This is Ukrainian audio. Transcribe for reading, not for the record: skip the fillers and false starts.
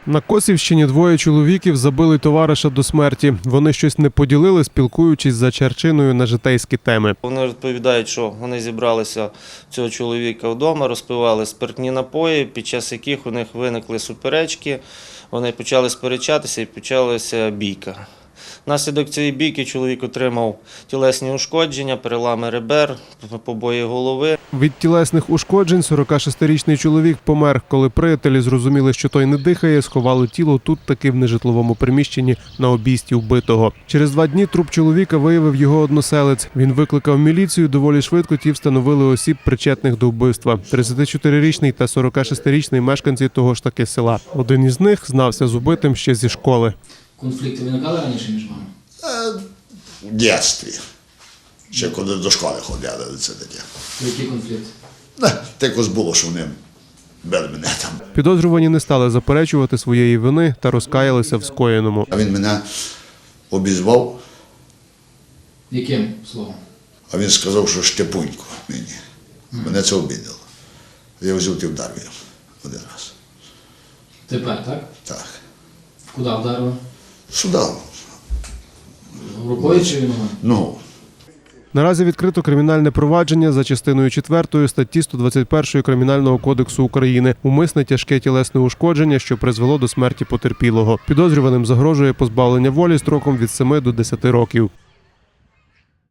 На Косівщині двоє чоловіків забили товариша до смерті. Вони щось не поділили, спілкуючись за чарчиною на житейські теми. Вони розповідають, що вони зібралися цього чоловіка вдома, розпивали спиртні напої, під час яких у них виникли суперечки. Вони почали сперечатися і почалася бійка. Внаслідок цієї бійки чоловік отримав тілесні ушкодження, перелами ребер, побої голови. Від тілесних ушкоджень 46-річний чоловік помер. Коли приятелі зрозуміли, що той не дихає, сховали тіло тут таки в нежитловому приміщенні на обійсті вбитого. Через 2 дні труп чоловіка виявив його односелець. Він викликав міліцію, доволі швидко ті встановили осіб, причетних до вбивства. 34-річний та 46-річний мешканці того ж таки села. Один із них знався з убитим ще зі школи. Конфлікти виникали раніше між вами? В дитинстві. Ще коли до школи ходили, це таке. Який конфлікт? Також було, що вони били мене там. Підозрювані не стали заперечувати своєї вини та розкаялися в скоєному. А він мене обізвав, Яким словом? а він сказав, що Штепунько мені. Мене це обідало. Я взяв і вдарив його один раз. Тепер, так? Так. Куди вдарили? Сюди. Рукою чи ногою? Ну. Наразі відкрито кримінальне провадження за частиною 4 статті 121 Кримінального кодексу України «Умисне тяжке тілесне ушкодження, що призвело до смерті потерпілого». Підозрюваним загрожує позбавлення волі строком від 7 до 10 років.